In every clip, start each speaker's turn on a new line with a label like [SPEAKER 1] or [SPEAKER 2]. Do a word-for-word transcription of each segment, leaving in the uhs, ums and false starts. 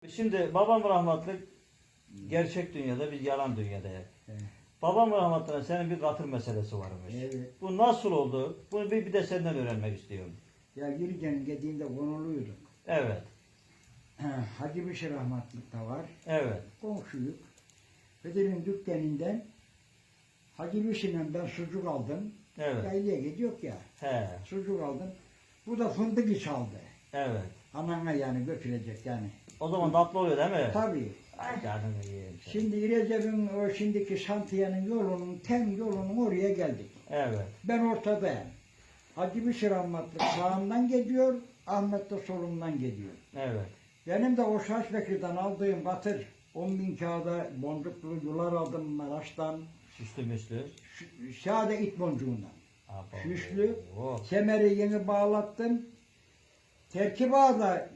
[SPEAKER 1] Şimdi babam rahmetli gerçek dünyada, biz yalan dünyada.
[SPEAKER 2] Evet.
[SPEAKER 1] Babam rahmetli senin bir katır meselesi varmış.
[SPEAKER 2] Evet.
[SPEAKER 1] Bu nasıl oldu? Bunu bir, bir de senden öğrenmek istiyorum.
[SPEAKER 2] Ya yürüyen gediğinde konuluyduk.
[SPEAKER 1] Evet.
[SPEAKER 2] Ha, Hacı Beşir rahmetlik de var.
[SPEAKER 1] Evet.
[SPEAKER 2] Komşuyuk. Bedir'in dükkanından Hacı Beşir'le ben sucuk aldım.
[SPEAKER 1] Evet.
[SPEAKER 2] Yaylaya gidiyor ya.
[SPEAKER 1] He.
[SPEAKER 2] Sucuk aldım. Bu da fındık çaldı.
[SPEAKER 1] Evet.
[SPEAKER 2] Anana yani götürecek yani.
[SPEAKER 1] O zaman tatlı oluyor değil mi?
[SPEAKER 2] Tabii.
[SPEAKER 1] Ay canını yiyeyim seni.
[SPEAKER 2] Şimdi Recep'in o şimdiki şantiyenin yolunun, tem yolunun oraya geldik.
[SPEAKER 1] Evet.
[SPEAKER 2] Ben ortadayım. Hacı Beşir rahmetlik sağımdan gidiyor, Ahmet de solumdan gidiyor.
[SPEAKER 1] Evet.
[SPEAKER 2] Benim de o Şaşbekir'den aldığım batır, on bin kağıda boncuklu yular aldım Maraş'tan,
[SPEAKER 1] Süslü müslü.
[SPEAKER 2] Ş- Şade it boncuğundan.
[SPEAKER 1] Abo.
[SPEAKER 2] Süslü,
[SPEAKER 1] Oh.
[SPEAKER 2] kemeri yeni bağlattım. Terkiba da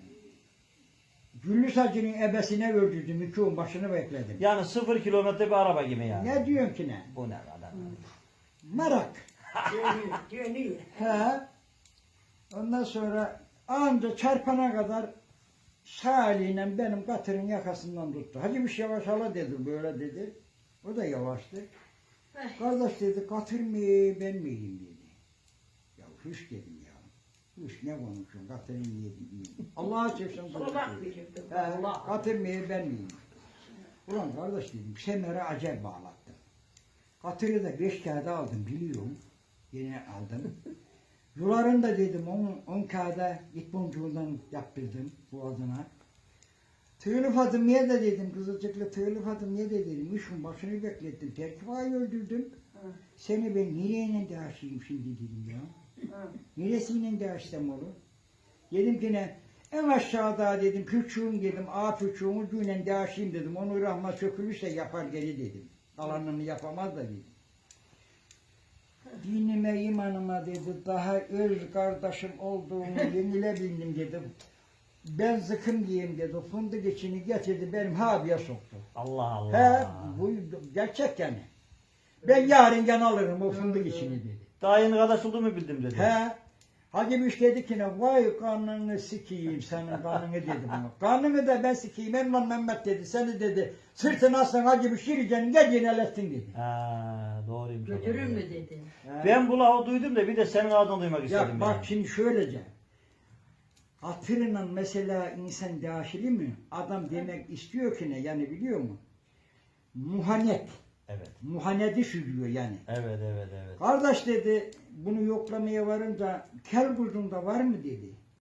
[SPEAKER 2] Güllü Sacı'nın ebesine öldürdüm, iki on başını bekledim.
[SPEAKER 1] Yani sıfır kilometre bir araba gibi yani.
[SPEAKER 2] Ne diyorsun ki ne?
[SPEAKER 1] Bu ne kadar?
[SPEAKER 2] Merak.
[SPEAKER 3] Dönüyor, dönüyor.
[SPEAKER 2] He. Ondan sonra anca çarpana kadar sağ eliyle benim katırın yakasından tuttu. Hacı bir şey yavaş hala dedi, böyle dedi. O da yavaştı. Kardeş dedi, katır mı ben miyim dedi. Ya hüş dedim ya. Hüş ne konuşuyorsun, katırın niye diyeyim. Allah'a çeksin
[SPEAKER 3] Kulak verirdim.
[SPEAKER 2] He,
[SPEAKER 3] Allah.
[SPEAKER 2] katır mı ben miyim? Ulan kardeş dedim, semere acayip bağlattım. Katırı da beş kağıda aldım biliyorum. Yine aldım. Yularını da dedim on, on kağıda it boncuğundan yaptırdım boğazına. Tığlı Fatımiye de dedim, Kızılcıklı Tığlı Fatımiye de dedim, işin başını beklettim, Terkifa'yı öldürdüm.
[SPEAKER 3] Hı.
[SPEAKER 2] Seni ben nereyle de aşayım şimdi dedim ya.
[SPEAKER 3] Hı.
[SPEAKER 2] Neresiyle de aşsam olur? Dedim ki ne, en aşağıda dedim, küçüğüm dedim, a küçüğüm ucuyla de aşayım dedim, onu rahma sökülürse yapar geri dedim. Kalanını yapamaz da dedim. Dinime, imanıma dedi, daha öz kardeşim olduğunu yenile bildim dedim. Ben zıkım diyeyim dedi, fındık içini getirdi, benim habiye soktu.
[SPEAKER 1] Allah
[SPEAKER 2] He,
[SPEAKER 1] Allah.
[SPEAKER 2] bu gerçek yani. Ben yarın gene alırım o fındık içini dedi.
[SPEAKER 1] Daha yeni kardeş olduğumu bildim dedi.
[SPEAKER 2] He, Hacı Büş dedi ki ne, vay kanını sikeyim senin kanını dedi bana. Kanını da ben sikeyim, Emlan Mehmet dedi, seni dedi, sırtına aslan Hacı Büş yürüyeceğini gel yenelettin dedi.
[SPEAKER 1] Ha, doğruymuş. o da.
[SPEAKER 3] Götürür mü dedi.
[SPEAKER 2] He.
[SPEAKER 1] Ben bu lafı duydum da bir de senin ağzından duymak istedim.
[SPEAKER 2] Ya bak
[SPEAKER 1] yani.
[SPEAKER 2] şimdi şöylece. Hatırla mesela insan dahili mi? Adam demek istiyor ki ne yani biliyor mu? Muhanet.
[SPEAKER 1] Evet.
[SPEAKER 2] Muhaneti sürüyor yani.
[SPEAKER 1] Evet, evet, evet.
[SPEAKER 2] Kardeş dedi bunu yoklamaya varınca kel kuzunda var mı dedi.